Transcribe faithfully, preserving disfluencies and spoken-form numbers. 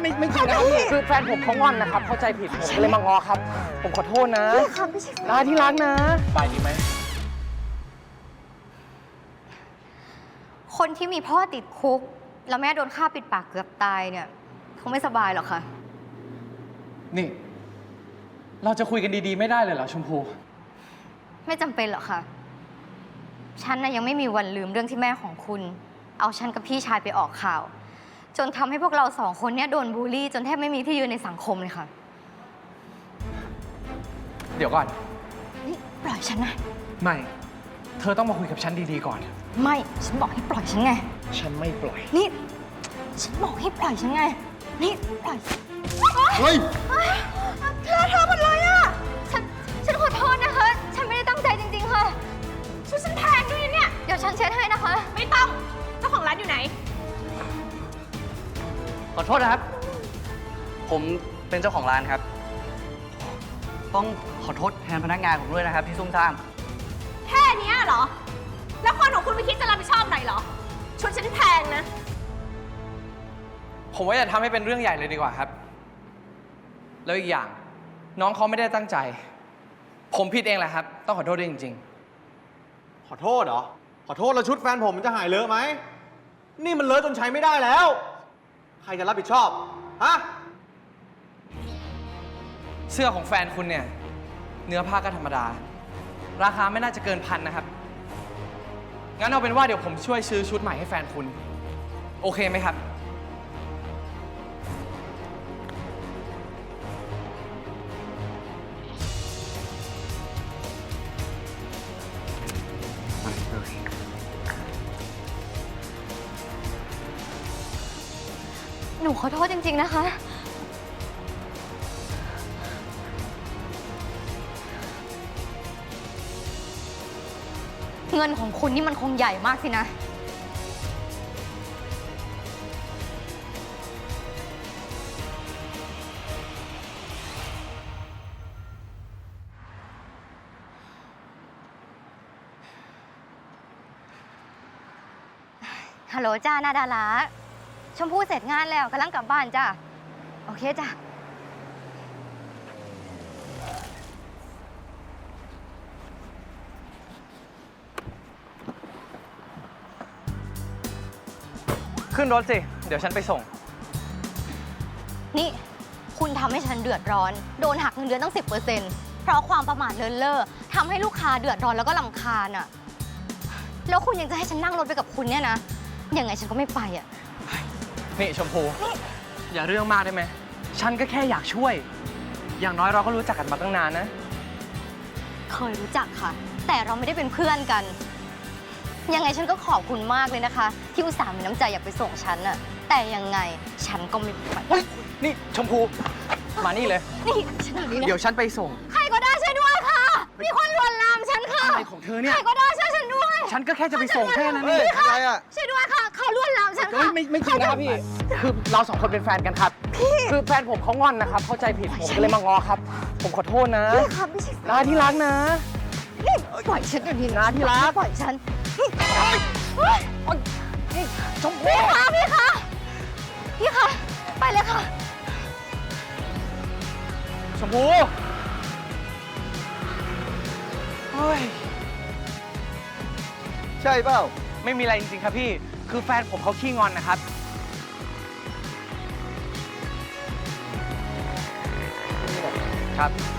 ไม่ไม่จริงนะครับพี่คือแฟนผมเขางอนนะครับเข้าใจผิดผมก็เลยมางอครับผมขอโทษนะไม่ค่ะไม่ใช่ลาที่รักนะไปดีไหมคนที่มีพ่อติดคุกแล้วแม่โดนฆ่าปิดปากเกือบตายเนี่ยคงไม่สบายหรอกค่ะนี่เราจะคุยกันดีๆไม่ได้เลยเหรอชมพูไม่จำเป็นหรอกค่ะฉันน่ะยังไม่มีวันลืมเรื่องที่แม่ของคุณเอาฉันกับพี่ชายไปออกข่าวจนทำให้พวกเราสองคนเนี่ยโดนบูลลี่จนแทบไม่มีที่ยืนในสังคมเลยค่ะเดี๋ยวก่อนนี่ปล่อยฉันนะไม่เธอต้องมาคุยกับฉันดีๆก่อนไม่ฉันบอกให้ปล่อยฉันไงฉันไม่ปล่อยนี่ฉันบอกให้ปล่อยฉันไงนี่ปล่อยเฮ้ยเธอเธอหมดเลยอ่ะฉันฉันขอโทษนะคะฉันไม่ได้ตั้งใจจริงๆค่ะช่วยฉันแทนด้วยเนี่ยเดี๋ยวฉันเช็ดให้นะคะไม่ต้องเจ้าของร้านอยู่ไหนขอโทษนะครับผมเป็นเจ้าของร้านครับต้องขอโทษแทนพนักงานผมด้วยนะครับที่ซุ่มซ่ามแค่นี้เหรอแล้วคนของคุณไม่คิดจะรับผิดชอบหน่อยเหรอชวนฉันแพงนะผมว่าอย่าทำให้เป็นเรื่องใหญ่เลยดีกว่าครับแล้วอีกอย่างน้องเขาไม่ได้ตั้งใจผมผิดเองแหละครับต้องขอโทษด้วยจริงๆขอโทษเหรอขอโทษแล้วชุดแฟนผมมันจะหายเลอะไหมนี่มันเลอะจนใช้ไม่ได้แล้วใครจะรับผิดชอบฮะเสื้อของแฟนคุณเนี่ยเนื้อผ้าก็ธรรมดาราคาไม่น่าจะเกินพันนะครับงั้นเอาเป็นว่าเดี๋ยวผมช่วยซื้อชุดใหม่ให้แฟนคุณโอเคไหมครับหนูขอโทษจริงๆนะคะเงินของคุณนี่มันคงใหญ่มากสินะฮัลโหลจ้านาดาราชมพู่เสร็จงานแล้วกำลังกลับบ้านจ้าโอเคจ้าขึ้นรถสิเดี๋ยวฉันไปส่งนี่คุณทำให้ฉันเดือดร้อนโดนหักเงินเดือนตั้ง สิบเปอร์เซ็นต์ เพราะความประมาทเลินเล่อทำให้ลูกค้าเดือดร้อนแล้วก็รำคาญอ่ะแล้วคุณยังจะให้ฉันนั่งรถไปกับคุณเนี่ยนะยังไงฉันก็ไม่ไปอ่ะนี่ชมพูอย่าเรื่องมากได้ไหมฉันก็แค่อยากช่วยอย่างน้อยเราก็รู้จักกันมาตั้งนานนะเคยรู้จักค่ะแต่เราไม่ได้เป็นเพื่อนกันยังไงฉันก็ขอบคุณมากเลยนะคะที่อุตส่าห์มีน้ำใจอยากไปส่งฉันน่ะแต่ยังไงฉันก็ไม่ไปเฮ้ยนี่ชมพูมานี่เลยนี่ฉันหนีนะเดี๋ยวฉันไปส่งใครก็ได้ช่วยด้วยค่ะมีคนลวนลามฉันค่ะอะไรของเธอเนี่ยใครก็ได้ช่วยฉันด้วยฉันก็แค่จะไปส่งแค่นั้นเองอะไรอ่ะช่วยด้วยค่ะเขาลวนลามฉันค่ะไม่ไม่จริงนะครับพี่คือเราสองคนเป็นแฟนกันครับพี่คือแฟนผมเขางอนนะครับเข้าใจผิดผมก็เลยมางอครับผมขอโทษนะพี่ค่ะไม่ใช่ลาที่รักนะนี่ปล่อยฉันเดี๋ยวนี้นะที่รักปล่อยฉันนี่ชมพู่พี่คะพี่คะพี่คะไปเลยค่ะชมพู่เฮ้ยใช่เปล่าไม่มีอะไรจริงๆครับพี่คือแฟนผมเขาขี้งอนนะครับครับ